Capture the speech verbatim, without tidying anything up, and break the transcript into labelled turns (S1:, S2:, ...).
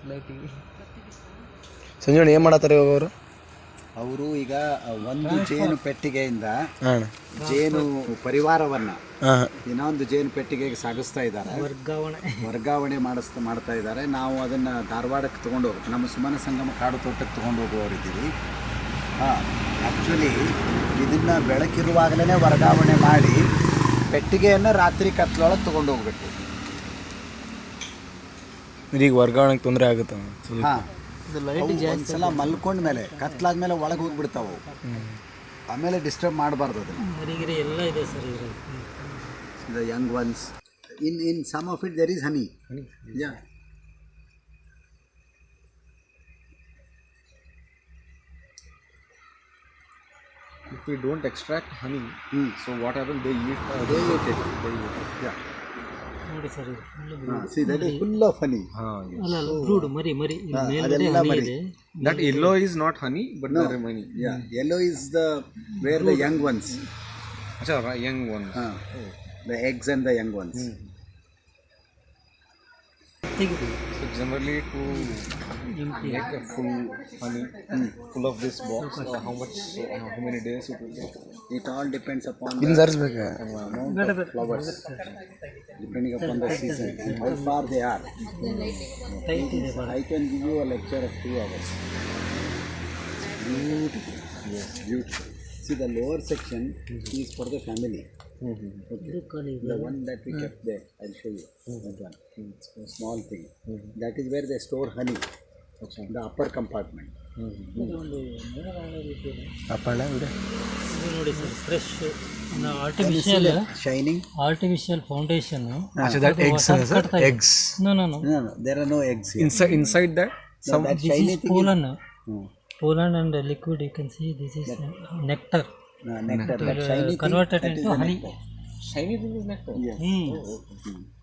S1: ಸಂಜೀವಣ್ಣ ಏನು ಮಾಡತ್ತಾರೆ ಇವಾಗ ಅವರು?
S2: ಅವರು ಈಗ ಒಂದು ಜೇನು ಪೆಟ್ಟಿಗೆಯಿಂದ ಜೇನು ಪರಿವಾರವನ್ನ ಇನ್ನೊಂದು ಜೇನು ಪೆಟ್ಟಿಗೆಗೆ ಸಾಗಿಸ್ತಾ ಇದ್ದಾರೆ, ವರ್ಗಾವಣೆ ವರ್ಗಾವಣೆ ಮಾಡಿಸ್ತಾ ಮಾಡ್ತಾ ಇದ್ದಾರೆ. ನಾವು ಅದನ್ನು ಧಾರವಾಡಕ್ಕೆ ತೊಗೊಂಡು ಹೋಗ್ಬೇಕು, ನಮ್ಮ ಸುಮನ ಸಂಗಮ ಕಾಡು ತೋಟಕ್ಕೆ ತೊಗೊಂಡು ಹೋಗುವವರಿದ್ದೀವಿ. ಹಾಂ, ಆ್ಯಕ್ಚುಲಿ ಇದನ್ನು ಬೆಳಕಿರುವಾಗಲೇ ವರ್ಗಾವಣೆ ಮಾಡಿ ಪೆಟ್ಟಿಗೆಯನ್ನು ರಾತ್ರಿ ಕತ್ಲೊಳಗೆ ತೊಗೊಂಡು ಹೋಗ್ಬೇಕು.
S1: ಈಗ ವರ್ಗಾವಣೆಗೆ ತೊಂದರೆ ಆಗುತ್ತೆ.
S2: ಹಾಂ, ಒಂದ್ಸಲ ಮಲ್ಕೊಂಡ ಮೇಲೆ ಕತ್ಲಾದ್ಮೇಲೆ ಒಳಗೆ ಹೋಗ್ಬಿಡ್ತಾವೆ, ಆಮೇಲೆ ಡಿಸ್ಟರ್ಬ್ ಮಾಡಬಾರ್ದು ಅದನ್ನು.
S3: ಎಲ್ಲ ಇದೆ sir
S2: the young ones in in some of it there is honey. Yeah,
S4: if we don't extract honey,
S2: hmm.
S4: so what happens? They eat. Uh,
S2: they eat it.
S4: They eat it.
S2: Yeah.
S3: ನೋಡಿ sir,
S2: See, that is full of honey.
S4: Ah, yes.
S3: ಅಲ್ಲ ಅಲ್ಲ brood ಮರಿ ಮರಿ
S2: ಹಾ,
S3: ಮೇಲ್ಗಡೆ
S2: ಅದೆಲ್ಲ
S3: ಹನಿ
S2: ಮರಿ.
S3: ಇದೆ.
S4: That yellow is not honey, but
S2: No.
S4: the remaining.
S2: Yeah, yellow is the where the young ones.
S4: Acha, right, young ones.
S2: Ah, the eggs and the young ones.
S3: ತೆಗಿದು
S4: So generally to
S3: ಎಂಟಿ
S4: make a full honey, full of this box, uh, how much? Uh, how many days it will take?
S2: It all depends upon
S1: ಇನ್ನು
S2: the
S1: ಸರಿಸ್ಬೇಕು.
S2: amount of flowers, depending upon the season and how far they are.
S3: Tight ಇದೆ ಭಾಳ.
S2: I can give you a lecture of two hours. Beautiful. Yes, beautiful. See, the lower section is for the family.
S3: ಇದು ಖಾಲಿ ಇದೆ.
S2: The one that we kept there, I'll show you. That one. It's a small thing. That is where they store honey. The upper compartment.
S3: ಇದೊಂದು mineral ಇದೆ.
S1: ಅಪ್ಪಣ್ಣ ಬಿಡು.
S3: ಇದು ನೋಡಿ sir, fresh artificial
S2: Shining?
S3: Artificial foundation.
S1: So that eggs, sir? Eggs.
S3: No no no
S2: No, no, there are no eggs here.
S1: Inside, inside that?
S2: No, that
S3: this
S2: shiny
S3: is
S2: thing
S3: pollen.
S2: Hmm.
S3: Pollen and liquid, you can see this is nectar.
S2: No, nectar. That shiny thing,
S3: Converted
S2: that is
S3: into
S2: the
S3: honey.
S2: nectar.
S4: Shiny thing is nectar.
S2: Yes.
S3: Hmm.
S2: Hmm.